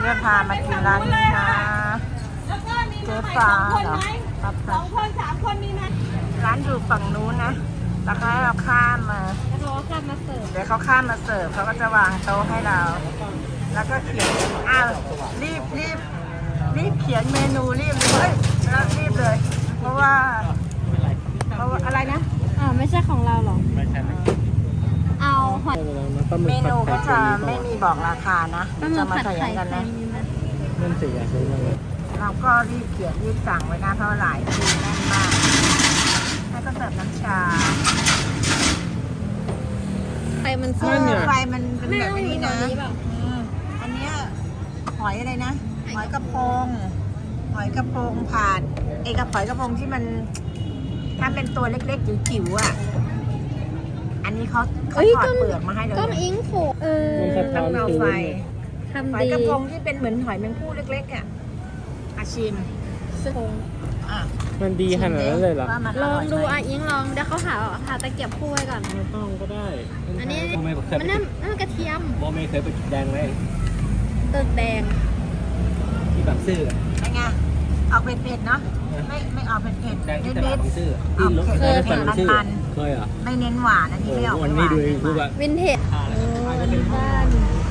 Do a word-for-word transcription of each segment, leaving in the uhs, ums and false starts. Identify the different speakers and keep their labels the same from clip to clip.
Speaker 1: จะพามากินร้านนี้นะเจ๊ฟ้าเหรอครับสองคนสามคนมีไหมร้านอยู่ฝั่งนู้นนะแล้วก็ให้เราข้ามมาแล้วเขาข้ามมาเสิร์ฟเดี๋ยวเขาข้ามมาเสิร์ฟเขาก็จะวางโต๊ะให้เราแล้วก็เขียนอ้าวรีบรีบรีบเขียนเมนูรีบเลยแล้วรีบเลยเพราะว่าเพราะว่าอะไรนะ
Speaker 2: อ่าไม่ใช่ของเราหรอ
Speaker 3: ไม่ใช่ไม่
Speaker 2: เอาหอย
Speaker 1: เมนูก็จะไม่มีบอกราคานะจะมาใส่กันนะ
Speaker 3: นั่นสิอยากรู้เลย
Speaker 1: เราก็รีบเขียนรีบสั่งไว้นะเพราะหลายทีแน่นมากแล้วก็เสิร์ฟน้ำชา
Speaker 2: ไฟมันสู้
Speaker 1: ไฟมันเป็นแบบนี้นะอันนี้หอยอะไรนะหอยกระพงหอยกระพงผ่านเอกหอยกระพงที่มันถ้าเป็นตัวเล็กๆจิ๋วๆอ่ะอันนี้เขาเขาถอดเปลือกมาให้เลย
Speaker 2: ก้มอิงโขเออ
Speaker 1: ต้องเอาไฟ
Speaker 2: ทำดี
Speaker 1: หอยกระพงที่เป็นเหมือนหอยแมงผู้เล็กๆอ่ะอาชิม
Speaker 3: มันดีขนาดนั้นเลยเหรอ
Speaker 2: ลองดูอ่ะอิงลองเดี๋ยวเขาหาหาตะเกียบคู่ไว้ก่อน
Speaker 3: ไม่ต้องก็ได้
Speaker 2: อันนี้มันนั่นนั่นกระเทียม
Speaker 3: โมไม่เคยไปจุดแดงเลย
Speaker 2: ตึกแดง
Speaker 3: ที่บางซื่อ
Speaker 1: ไงออกเผ็ดๆเนาะไม่ไม่ออกเผ็ดๆ
Speaker 3: แดงที่ตลาดบางซื่อที่รถเคยเผ็ดมันเคยเหรอ
Speaker 1: ไม่เน้นหวานอันนี้ไม่ออกหวาน
Speaker 3: นี่ดูดูแบบ
Speaker 2: วินเทจ
Speaker 3: โอ้บ้าน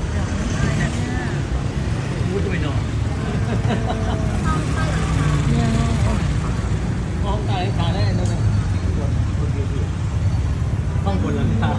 Speaker 3: พูดด้วยเนาะห้องใต้ขาได้นั่นนะห้องบนหลังคา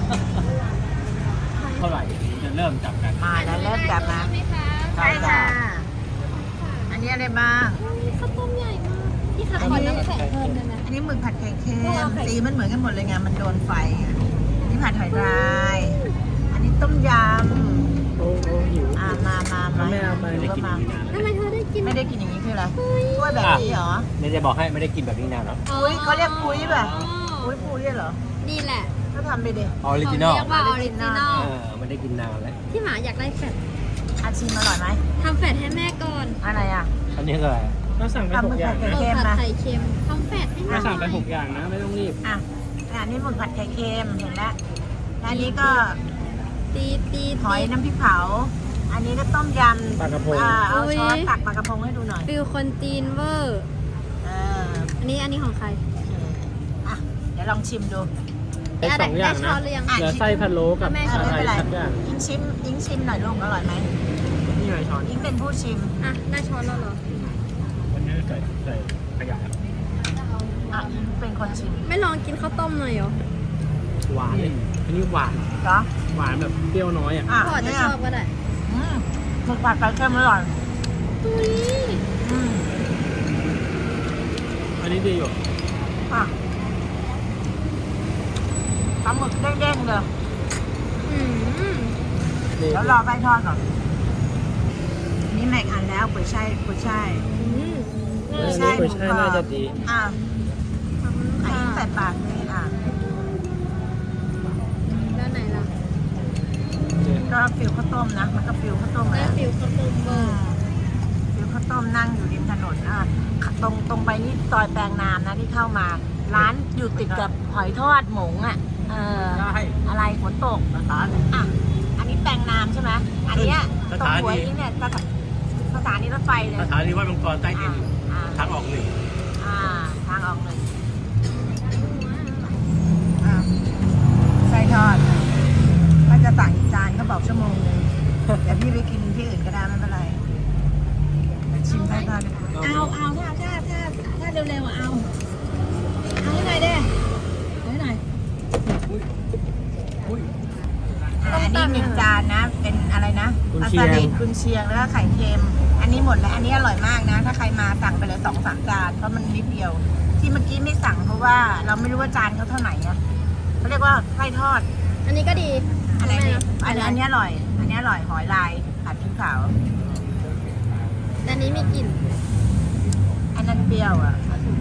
Speaker 3: เท่าไหร่จะเริ่มจับกัน
Speaker 1: มาแล้วเริ่มจับนะใช่ค่ะอันนี้อะไรบ้าง
Speaker 2: ข้าวต้มใหญ่มากที่ขาขอน้ำแข็งเพิ่มเลยนะ
Speaker 1: อันนี้หมึกผัดไข่เค็มสีมันเหมือนกันหมดเลยไงมันโดนไฟอันนี้ผัดหอยลายอันนี้ต้มยำ
Speaker 3: โอ้โหหิว
Speaker 1: อ่ามามามา
Speaker 3: ไม่เอาไปไม่ได้กิน
Speaker 2: ทำไมเธอได้กิน
Speaker 1: ไม่ได้กินอย่างนี้คืออะไรกล้วยแบบนี้เหรอ
Speaker 3: เนี่ยจะบอกให้ไม่ได้กินแบบนี้นานแล้ว
Speaker 1: ปุ้ยเขาเรียกปุ้ยป่ะปุ้ยปุ้ยเหรอ
Speaker 2: นี่แหละ
Speaker 1: ก็ทำไปดิ
Speaker 3: ออริจินอล
Speaker 2: เรียกว่าออริจินอล
Speaker 3: ไม่ได้กินนานแล้ว
Speaker 2: ที่หมาอยากได้แฟต
Speaker 1: อาชิมอร่อยไหม
Speaker 2: ทำแฟตให้แม่ก่อน
Speaker 1: อะไรอ่ะ
Speaker 3: อันนี้คืออะไรเราสั่งไปหกอย่าง
Speaker 2: นะผัดไข่เค็มทำแฟตให้แม่
Speaker 3: เราสั่งไปหกอย่างนะไม่ต้องรีบ
Speaker 1: อ่ะอันนี้หมึกผัดไข่เค็มเห็นแล้วอันนี้ก็
Speaker 2: ตีตี
Speaker 1: หอยน้ำพริกเผาอันนี้ก็ต้มยำ
Speaker 3: ปลากระพง
Speaker 1: เอาช้อนตักปลากระพงให้ดูหน่อย
Speaker 2: ฟิลคนจีนเวอร์อันนี้อันนี้ของใคร
Speaker 1: อ่ะเดี๋ยวลองชิมดู
Speaker 3: เป็นสองอย่างนะเดี๋ยวไส้พะโล้กับอะไรสักอย่าง
Speaker 1: ยิงชิมยิงชิมหน่อยลูกอร่อยไหม
Speaker 3: นี่ไงช้อน
Speaker 1: ยิงเป็นผู้ชิม
Speaker 2: อ่ะได้ช้อนแล้วเหรอ
Speaker 3: วันนี้ใส่ใส่ขยะ
Speaker 1: อ่ะยิงเป็นคนชิม
Speaker 2: ไม่ลองกินข้าวต้มหน่อยเหรอ
Speaker 3: หวานเลยอันนี้หวาน
Speaker 1: เหรอ
Speaker 3: หวานแบบเปรี้ยวน้อยอ่ะ
Speaker 2: พ่อจะชอบก็ได้
Speaker 1: หมึกผัดไข่เค็มอร่อย
Speaker 2: ตุ้ย
Speaker 3: อันนี้ดีอยู่
Speaker 1: อ่ะปลาหมึกเด้งๆเลยแล้วรอใบทอดก่อนนี่แม็กอันแล้วกุ้ยช่ายกุ้ยช่าย
Speaker 3: กุ้ยช่ายกุ้ยช่ายน่าจะดี
Speaker 1: อ่ะอันนี้ใส่ปากเลยอ่ะ
Speaker 2: แล้วไหนล่ะ
Speaker 1: ก็ฟิวข้าวต้มนะมันก็ฟิวข้าวต้ม
Speaker 2: แล้วฟิวข้าวต้มเบอร์
Speaker 1: ฟิวข้าวต้มนั่งอยู่ริมถนนอ่ะตรงตรงไปนี่ซอยแปลงนามนะที่เข้ามาร้านอยู่ติดกับหอยทอดหมงอ่ะเอออะไรฝนตกอ่ะอันนี้แปลงนามใช่ไหมอันนี้ตรงหัวนี้เนี่ยสถานีรถไฟเลย
Speaker 3: สถานีวัดมังกรใต้ดินทางออกหนึ่ง
Speaker 1: อ่าทางออกหนึ่งไส้ทอดมันจะสั่งจานเขาบอกชั่วโมงนึงเดี๋ยวพี่ไปกินที่อื่นก็ได้ไม่เป็นไรชิมไส้ทอดเอาเอาถ้าถ้าถ้าถ้าเร็วๆเอาเอาให้หน่อยเด้เอาให้หน่อยอันนี้หนึ่งจานนะเป็นอะไรนะปลาสลิดกุนเชียงแล้วก็ไข่เค็มอันนี้หมดแล้วอันนี้อร่อยมากนะถ้าใครมาสั่งไปเลยสองสามจานเพราะมันนิดเดียวที่เมื่อกี้ไม่สั่งเพราะว่าเราไม่รู้ว่าจานเขาเท่าไหร่นะเขาเรียกว่าไส้ทอด
Speaker 2: อันนี้ก็ดี
Speaker 1: อะไรนี่อันนี้อันนี้อร่อยอันนี้อร่อยหอยลายผัดพริกเผา
Speaker 2: อันนี้มีกลิ่น
Speaker 1: อันนั้นเปรี้ยวอ่ะ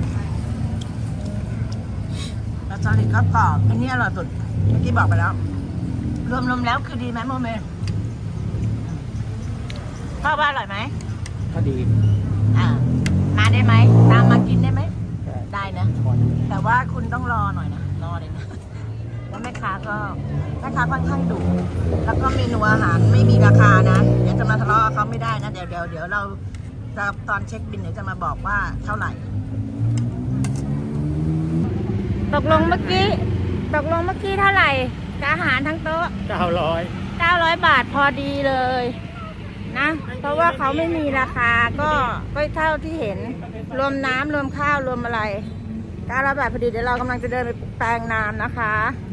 Speaker 1: แล้วสลิดก็กรอบอันนี้อร่อยสุดเมื่อกี้บอกไปแล้วรวมๆแล้วคือดีไหมโมเมพ่อว่าอร่อยไหม
Speaker 3: ก็ดี
Speaker 1: อ่ามาได้ไหมตามมากินได้ไหมได้นะแต่ว่าคุณต้องรอหน่อยนะรอเลยนะแล้วแม่ค้าก็แม่ค้าค่อนข้างดุแล้วก็เมนูอาหารไม่มีราคานะเดี๋ยวจะมาทะเลาะเขาไม่ได้นะเดี๋ยวเดี๋ยวเดี๋ยวเราจะตอนเช็คบินเดี๋ยวจะมาบอกว่าเท่าไหร่ตกลงเมื่อกี้ตกลงเมื่อกี้เท่าไหร่กับอาหารทั้งโต๊ะ
Speaker 3: เก้าร้อย
Speaker 1: เก้าร้อยบาทพอดีเลยนะเพราะว่าเขาไม่มีราคาก็ก็เท่าที่เห็นรวมน้ำรวมข้าวรวมอะไรเก้าร้อยบาทพอดีเดี๋ยวเรากำลังจะเดินไปแปลงน้ำนะคะ